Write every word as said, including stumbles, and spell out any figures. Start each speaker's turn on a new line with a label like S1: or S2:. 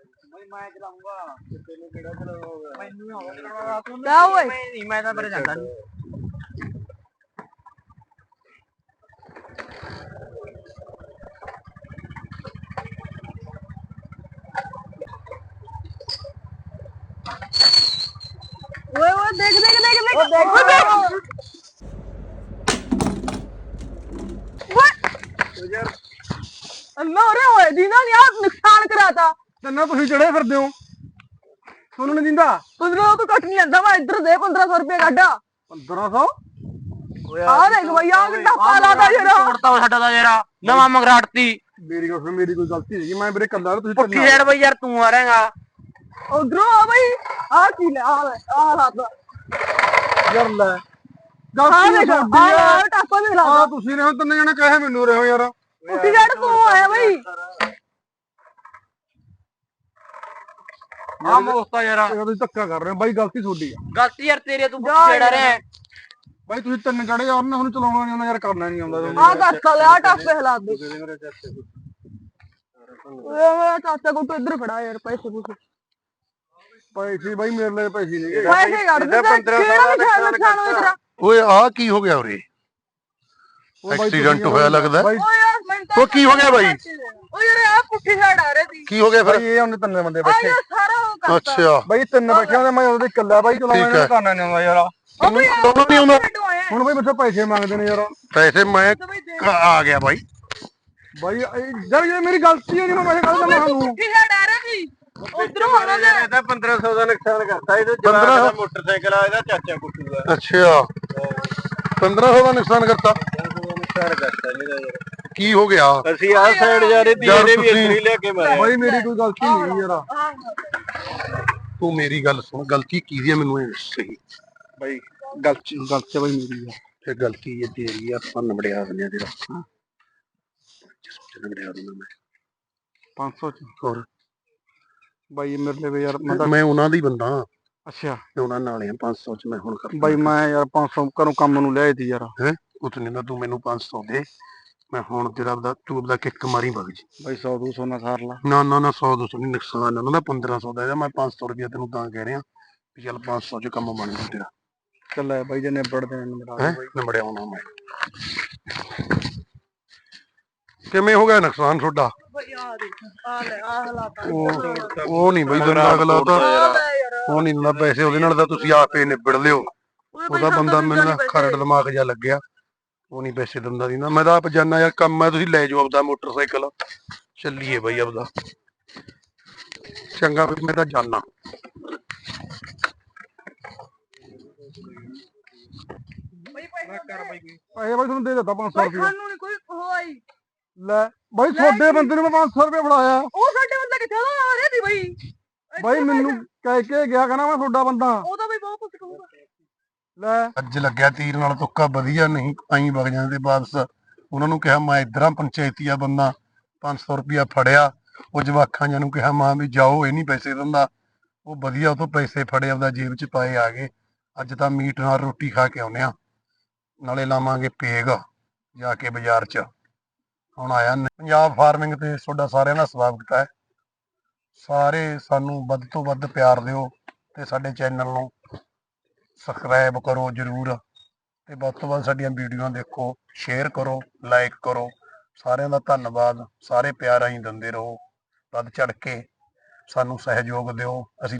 S1: ਮੈਂ ਚਲਾਉਂਗਾ ਤੈਨੂੰ ਕਿਹੜਾ ਚਲਾਉਂਗਾ ਮੈਨੂੰ ਹੋਗਾ ਚਲਾਉਣਾ ਤੂੰ
S2: ਕਿਆ ਓਏ
S1: ਮੈਂ ਨਹੀਂ ਮੈਂ ਤਾਂ ਪਰ ਜਾਂਦਾ ਨਹੀਂ
S2: ਓਏ ਓਏ ਦੇਖ ਦੇਖ ਦੇਖ ਦੇਖ ਓਏ ਦੇਖ ਓਏ
S1: ਯਾਰ
S2: ਅੰਨਾ ਓਰੇ ਓਏ ਦੀਨਾ ਨੇ ਆਪ ਨੁਕਸਾਨ ਕਰਾਤਾ
S1: ਤੈਨੂੰ ਤੁਸੀਂ ਚੜੇ ਫਿਰਦੇ ਹੋ ਤੁਹਾਨੂੰ ਨਹੀਂ ਦਿੰਦਾ
S2: ਪੰਦਰਾਂ ਤੋਂ ਘੱਟ ਨਹੀਂ ਲੈਂਦਾ ਮੈਂ ਇੱਧਰ ਦੇ ਪੰਦਰਾਂ ਸੌ ਰੁਪਏ ਕੱਢ
S1: ਪੰਦਰਾਂ ਸੌ
S2: ਆ ਦੇਖ ਬਈ ਆ ਕਿੰਨਾ ਪਾਲਾ ਦਾ ਯਾਰ
S3: ਤੋੜਤਾ ਸਾਡਾ ਦਾ ਯਾਰ ਨਵਾਂ ਮੰਗਰਾਟਤੀ
S1: ਮੇਰੀ ਗੱਲ ਮੇਰੀ ਕੋਈ ਗਲਤੀ ਨਹੀਂ ਮੈਂ ਵੀਰੇ ਕੱਲਾ ਤੁਸੀਂ
S3: ਪੁੱਠੀ ਸਾਈਡ ਬਈ ਯਾਰ ਤੂੰ ਆ ਰਹੇਗਾ
S2: ਉਧਰੋਂ ਆ ਬਈ ਆ ਕੀ ਲੈ ਆ ਲੈ ਆ ਹਾਲਾਤ
S1: ਯਾਰ ਲੈ
S2: ਆ
S1: ਗਲਤੀ
S2: ਦੇਖ
S1: ਤੁਹਾਡੀ
S2: ਆ
S1: ਆ
S2: ਆ ਟਾਪਾ ਦੇ ਲਾ
S1: ਆ ਤੁਸੀਂ ਨੇ ਤਿੰਨ ਜਣੇ ਕਹੇ ਮੈਨੂੰ ਰਹੋ ਯਾਰ
S2: ਉੱਠੀ ਜੜ ਤੂੰ ਆਇਆ ਬਈ
S3: ਆ ਮੋਸਤਾ ਯਾਰ
S1: ਇਹ ਤੁਸੀਂ ਧੱਕਾ ਕਰ ਰਹੇ ਹੋ ਬਾਈ ਗਲਤੀ ਤੁਹਾਡੀ ਆ
S3: ਗਲਤੀ ਯਾਰ ਤੇਰੀ ਤੂੰ ਪੁੱਠੀ ਸਾਈਡ ਆ ਰਿਹਾ
S1: ਬਾਈ ਤੁਸੀਂ ਤਿੰਨ ਚੜੇ ਆ ਉਹਨੇ ਹੁਣ ਚਲਾਉਣਾ ਨਹੀਂ ਆਉਂਦਾ ਯਾਰ ਕਰਨਾ ਨਹੀਂ ਆਉਂਦਾ
S2: ਆ ਕਰਤਾ ਲੈ ਆ ਟਾਪੇ ਹਾਲਾਤ ਦੇ ਓਏ ਮੇਰਾ ਚਾਚਾ ਕੋ ਤੂੰ ਇੱਧਰ ਖੜਾ ਯਾਰ ਪੈਸੇ ਪੂਸੇ
S1: ਪੈਸੇ ਬਾਈ ਮੇਰੇ ਲਈ ਪੈਸੇ ਨਹੀਂ
S2: ਪੈਸੇ ਕੱਢ ਦੇ ਕਿਹੜਾ ਨੁਕਸਾਨ ਨੁਕਸਾਨ ਹੋਇਆ ਤੇਰਾ
S4: ਓਏ ਆ ਕੀ ਹੋ ਗਿਆ ਉਰੇ ਐਕਸੀਡੈਂਟ ਹੋਇਆ ਲੱਗਦਾ
S2: ਓਏ ਯਾਰ ਮੈਂ ਤਾਂ
S4: ਉਹ ਕੀ ਹੋ ਗਿਆ ਬਾਈ?
S2: ਓਏ ਯਾਰ ਆ ਪੁੱਠੀ ਸਾਈਡ ਆ ਰਹੀ ਸੀ
S4: ਕੀ ਹੋ ਗਿਆ ਫਿਰ
S1: ਬਾਈ ਇਹ ਉਹਨੇ ਤਿੰਨ ਬੰਦੇ
S2: ਆ
S1: ਬੈਠੇ
S2: ਯਾਰ ਸਾਰਾ ਉਹ ਕਰਤਾ
S4: ਅੱਛਾ
S1: ਬਾਈ ਤਿੰਨ ਬੈਠੇ ਉਹਦੇ ਮੈਂ ਉਹਦੇ ਇਕੱਲਾ ਬਾਈ ਚਲਾਉਣਾ
S4: ਠੀਕ ਹੈ।
S1: ਨਹੀਂ ਕਰਨਾ ਨਹੀਂ ਆਉਂਦਾ ਯਾਰ
S2: ਉਹ ਵੀ
S4: ਦੋਨੋਂ ਨਹੀਂ ਆਉਂਦਾ
S1: ਹੁਣ ਬਾਈ ਬੱਚੇ ਪੈਸੇ ਮੰਗਦੇ ਨੇ ਯਾਰ
S4: ਪੈਸੇ ਮੈਂ ਕ- ਆ ਗਿਆ ਬਾਈ
S1: ਬਾਈ ਇਹ- ਯਾਰ ਇਹ ਮੇਰੀ ਗਲਤੀ ਹੈ ਨਹੀਂ ਮੈਂ ਪੈਸੇ ਕੱਢ ਦਵਾਂ ਤੁਹਾਨੂੰ
S2: ਪੁੱਠੀ ਸਾਈਡ ਆ ਰਹੀ ਸੀ ਉਧਰੋਂ ਆਣਾ ਲੈ
S1: ਇਹਦਾ ਪੰਦਰਾਂ ਸੌ ਦਾ ਨੁਕਸਾਨ ਕਰਤਾ ਇਹਦੇ
S4: ਪੰਦਰਾਂ ਸੌ
S1: ਮੋਟਰਸਾਈਕਲ ਆ ਇਹਦਾ ਚਾਚਾ ਕੁੱਟੂਗਾ
S4: ਅੱਛਾ ਪੰਦਰਾਂ ਸੌ ਦਾ ਨੁਕਸਾਨ ਕਰਤਾ
S1: ਨੁਕਸਾਨ ਕਰਤਾ ਇਹਦਾ ਯਾਰ
S4: ਕੀ ਹੋ ਗਿਆ
S1: ਅਸੀਂ ਆਹ ਸਾਈਡ ਜਾ ਰਹੇ ਸੀ
S4: ਯਾਰ
S1: ਇਹਨੇ ਵੀ
S4: ਤੁਸੀਂ-
S1: ਇੱਧਰ ਹੀ ਲਿਆ ਕੇ ਮਾਰਿਆ ਬਾਈ ਮੇਰੀ ਕੋਈ ਗਲਤੀ ਨਹੀਂ ਯਾਰ
S4: ਤੂੰ ਮੇਰੀ ਗੱਲ ਸੁਣ ਗਲਤੀ ਕੀ ਹੈ ਮੈਨੂੰ ਇਹ ਸਹੀ
S1: ਬਾਈ ਗਲਤੀ ਗਲਤੀ ਬਾਈ ਮੇਰੀ ਆ
S4: ਇਹ ਗਲਤੀ ਇਹ ਤੇਰੀ ਆ ਆਪਾਂ ਨਬੜਿਆ ਦਿੰਦੇ ਆ ਤੇਰਾ ਜਿਸ ਨਬੜਿਆ ਦਿੰਦਾ ਮੈਂ
S1: ਪੰਜ ਸੌ ਚ
S4: ਹੋਰ
S1: ਬਾਈ ਇਹ ਮੇਰੇ ਲਈ ਯਾਰ ਮੈਂ ਤਾਂ
S4: ਮੈਂ ਉਹਨਾਂ ਦਾ ਹੀ ਬੰਦਾ
S1: ਅੱਛਾ
S4: ਮੈਂ ਉਹਨਾਂ ਨਾਲ ਆ ਪੰਜ ਸੌ ਚ ਮੈਂ ਹੁਣ ਕਰ
S1: ਬਾਈ ਮੈਂ ਯਾਰ ਪੰਜ ਸੌ ਘਰੋਂ ਕੰਮ ਨੂੰ ਲਿਆਏ ਸੀ ਯਾਰ
S4: ਹੈ ਕੁਛ ਨਹੀਂ ਨਾ ਤੂੰ ਮੈਨੂੰ ਪੰਜ ਸੌ ਦੇ ਮੈਂ ਹੁਣ ਤੇਰਾ ਆਪਦਾ ਤੂੰ ਆਪਦਾ ਕਿੱਕ ਮਾਰੀ ਵਗ ਜੀ
S1: ਬਾਈ ਸੌ ਦੋ ਸੌ ਨਾ ਸਾਰ ਲਾ
S4: ਨਾ ਨਾ ਨਾ ਸੌ ਦੋ ਸੌ ਨਹੀਂ ਨੁਕਸਾਨ ਉਹਨਾਂ ਦਾ ਪੰਦਰਾਂ ਸੌ ਦਾ ਇਹਦਾ ਮੈਂ ਪੰਜ ਸੌ ਰੁਪਇਆ ਤੈਨੂੰ ਤਾਂ ਕਹਿ ਰਿਹਾ ਵੀ ਚੱਲ ਪੰਜ ਸੌ ਚ ਕੰਮ ਬਣ ਜੂ ਤੇਰਾ
S1: ਚੱਲ ਬਾਈ ਜੇ ਨਿਬੜਦੇ ਨੇ ਨਿਬੜਾ
S4: ਹੈ ਨੰਬੜਿਆ ਆਉਣਾ ਮੈਂ ਕਿਵੇਂ ਹੋ ਗਿਆ ਨੁਕਸਾਨ ਤੁਹਾਡਾ
S2: ਬਈ ਆ ਦੇਖ ਆ ਲੈ ਆ ਹਾਲਾਤ ਆ
S4: ਉਹ ਉਹ ਨਹੀਂ ਬਈ ਦਿੰਦਾ ਅਗਲਾ ਤਾਂ ਉਹ ਨਹੀਂ ਦਿੰਦਾ ਪੈਸੇ ਉਹਦੇ ਨਾਲ ਤਾਂ ਤੁਸੀਂ ਆਪੇ ਨਿਬੜ ਲਿਓ ਉਹਦਾ ਬੰਦਾ ਮੈਨੂੰ ਨਾ ਖਰੜ ਦਿਮਾਗ ਜਿਹਾ ਲੱਗਿਆ ਉਹ ਨਹੀਂ ਪੈਸੇ ਦਿੰਦਾ ਦੀ ਨਾ ਮੈਂ ਤਾਂ ਆਪ ਜਾਨਾ ਯਾਰ ਕੰਮ ਹੈ ਤੁਸੀਂ ਲੈ ਜਾਓ ਆਪਦਾ ਮੋਟਰਸਾਈਕਲ ਚੱਲੀਏ ਬਈ ਆਪਦਾ ਚੰਗਾ ਵੀ ਮੈਂ ਤਾਂ ਜਾਨਾ
S2: ਬਈ ਪੈਸੇ
S1: ਪੈਸੇ ਬਾਈ ਤੁਹਾਨੂੰ ਦੇ ਦਿੱਤਾ ਪੰਜ ਸੌ ਰੁਪਏ
S2: ਸਾਨੂੰ ਨਹੀਂ ਕੋਈ ਹੋਈ
S1: ਲੈ ਬਾਈ ਤੁਹਾਡੇ ਬੰਦੇ ਨੂੰ ਮੈਂ ਪੰਜ ਸੌ ਰੁਪਏ ਫੜਾਇਆ
S2: ਉਹ ਸਾਡੇ ਬੰਦਾ ਕਿੱਥੇ ਦਾ ਆ ਰਿਹਾ ਸੀ ਬਈ
S1: ਬਾਈ ਮੈਨੂੰ ਕਹਿ ਕੇ ਗਿਆ ਕਹਿੰਦਾ ਮੈਂ ਤੁਹਾਡਾ ਬੰਦਾ
S2: ਉਹ ਤਾਂ ਬਈ ਬਹੁਤ ਕੁਝ ਕਹੂਗਾ
S1: ਲੈ
S4: ਅੱਜ ਲੱਗਿਆ ਤੀਰ ਨਾਲ ਤੁੱਕਾ ਵਧੀਆ ਨਹੀਂ ਆਈ ਵਗ ਜਾਂਦੇ ਵਾਪਸ ਉਹਨਾਂ ਨੂੰ ਕਿਹਾ ਮੈਂ ਇਧਰਾਂ ਪੰਚਾਇਤੀਆ ਬੰਦਾ ਪੰਜ ਸੌ ਰੁਪਇਆ ਫੜਿਆ ਉਹ ਜਵਾਖਾਂ ਜਾਂ ਨੂੰ ਕਿਹਾ ਮਾਂ ਵੀ ਜਾਓ ਇਹ ਨਹੀਂ ਪੈਸੇ ਦਿੰਦਾ ਉਹ ਵਧੀਆ ਉਹ ਤੋਂ ਪੈਸੇ ਫੜੇ ਆਪਦਾ ਜੇਬ ਚ ਪਾਏ ਆ ਗਏ ਅੱਜ ਤਾਂ ਮੀਟ ਨਾਲ ਰੋਟੀ ਖਾ ਕੇ ਆਉਨੇ ਆ ਨਾਲੇ ਲਾਵਾਂਗੇ ਪੇਗ ਜਾ ਕੇ ਬਾਜ਼ਾਰ ਚ ਹੁਣ ਆਇਆ ਪੰਜਾਬ ਫਾਰਮਿੰਗ ਤੇ ਤੁਹਾਡਾ ਸਾਰਿਆਂ ਦਾ ਸਵਾਗਤ ਹੈ ਸਾਰੇ ਸਾਨੂੰ ਵੱਧ ਤੋਂ ਵੱਧ ਪਿਆਰ ਦਿਓ ਤੇ ਸਾਡੇ ਚੈਨਲ ਨੂੰ ਸਬਸਕ੍ਰਾਈਬ ਕਰੋ ਜਰੂਰ ਤੇ ਵੱਧ ਤੋਂ ਵੱਧ ਸਾਡੀਆਂ ਵੀਡੀਓ ਦੇਖੋ ਸ਼ੇਅਰ ਕਰੋ ਲਾਈਕ ਕਰੋ ਸਾਰਿਆਂ ਦਾ ਧੰਨਵਾਦ ਸਾਰੇ ਪਿਆਰ ਆਈ ਦਿੰਦੇ ਰਹੋ ਵੱਧ ਚੜ ਕੇ ਸਾਨੂੰ ਸਹਿਯੋਗ ਦਿਓ ਅਸੀਂ